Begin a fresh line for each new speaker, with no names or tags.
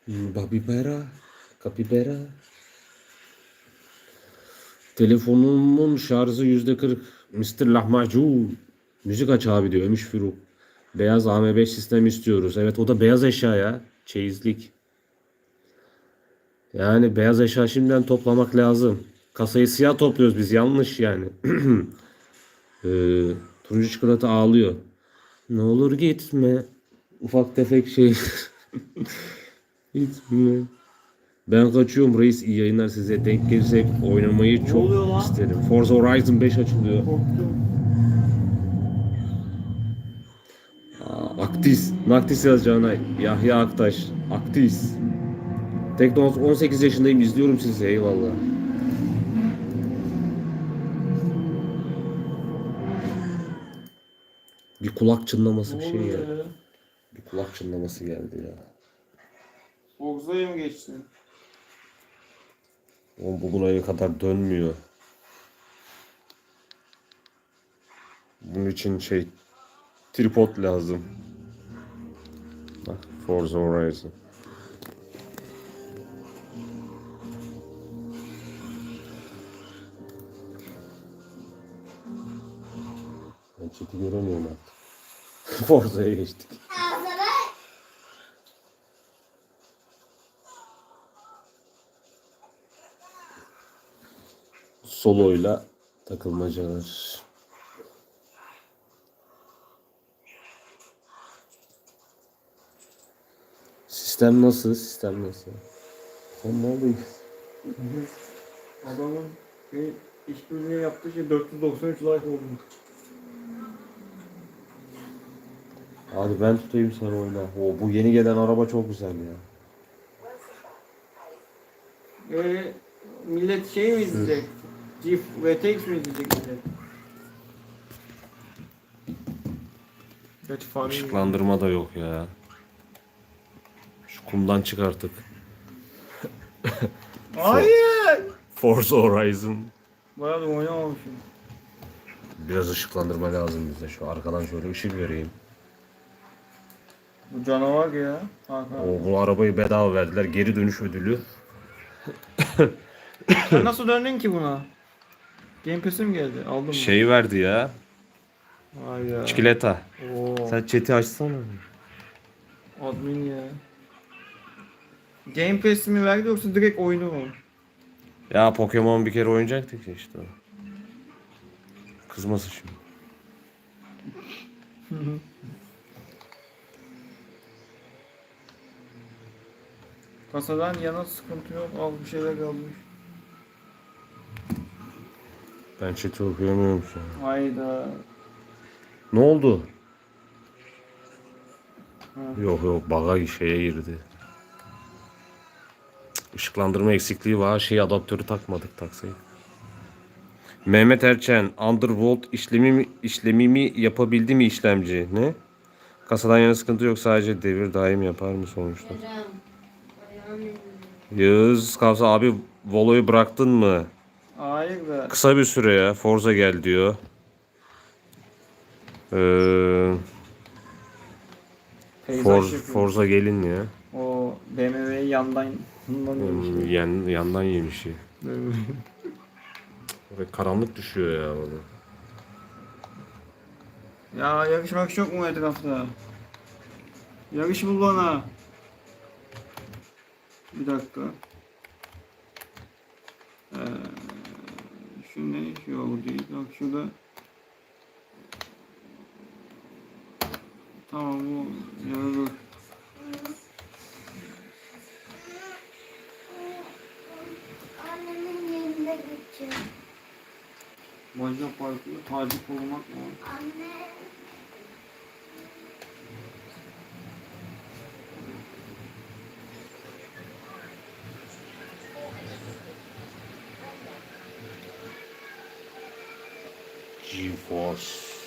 Babibera, kapibera. Telefonumun şarjı %40. Mr. Lahmacun. Müzik aç abi diyor Ömüş Firuk. Beyaz AM5 sistem istiyoruz. Evet o da beyaz eşya ya. Çeyizlik. Yani beyaz eşya şimdiden toplamak lazım. Kasayı siyah topluyoruz biz yanlış yani. Turuncu çikolata ağlıyor. Ne olur gitme. Ufak tefek şey. Gitme. Ben kaçıyorum reis. İyi yayınlar size. Denk gelirsek oynamayı çok
oluyor lan?
isterim. Forza Horizon 5 açılıyor.
Korktum.
Aktis. Naktis yazacağına. Yahya Aktaş. Aktis. Tekno 18 yaşındayım. İzliyorum sizi. Eyvallah. Bir kulak çınlaması bir şey ya.
Ya?
Bir kulak çınlaması geldi ya.
Forza'ya mı geçtin?
O bu buraya kadar dönmüyor. Bunun için tripod lazım. Bak Forza Horizon. Ben chat'i göremiyorum artık. Forza'ya geçtik. Solo'yla takılmacalar. Sistem nasıl? Sistem nasıl? Sen neredeyiz?
Adamın işbirliği yaptığı şey 493 like oldu.
Hadi ben tutayım sen oyna. Bu yeni gelen araba çok güzel ya.
Millet şey mi izleyecek? GIF VTX mi izleyecek millet? Gerçi fani.
Işıklandırma da yok ya. Şu kumdan çık artık.
Hayır!
Forza Horizon.
Bayağı da oynamamışım.
Biraz ışıklandırma lazım bize. Şu arkadan şöyle ışık vereyim.
Bu canavar ya. Kanka.
Bu arabayı bedava verdiler. Geri dönüş ödülü.
Sen nasıl döndün ki buna? Game Pass'e mi geldi? Aldın mı?
Verdi ya.
Vay ya.
Çikolata.
Oo.
Sen chat'i açsana.
Admin ya. Game Pass mi verdi yoksa direkt oyunu mu?
Ya Pokemon bir kere oynayacaktık ya işte. Kızmasın şimdi.
Kasadan yana sıkıntı yok. Al bir şeyler kalmış.
Ben chat'i okuyamıyorum şu an.
Hayda.
Ne oldu?
Ha.
Yok baga girdi. Işıklandırma eksikliği var. Adaptörü takmadık taksayı. Mehmet Erçen, Undervolt işlemi mi yapabildi mi işlemci? Ne? Kasadan yana sıkıntı yok, sadece devir daim yapar mı sonuçta? Yağız Kavsa abi Volo'yu bıraktın mı?
Hayır da.
Kısa bir süre ya. Forza gel diyor.
Peyzaj yapıyor.
Forza gelin ya.
O BMW'yi yandan yemiş.
Yandan yemiş ya. Oraya karanlık düşüyor ya orada.
Ya yarışmak yok mu etrafta? Yarış bul bana. Bir dakika. Şu ne? Şu yol değil. Bak şurada. Tamam bu yarılır.
Annemin yerinde geçiyor.
Bacak farklı. Tacip olmak mı?
Anne.
GeForce.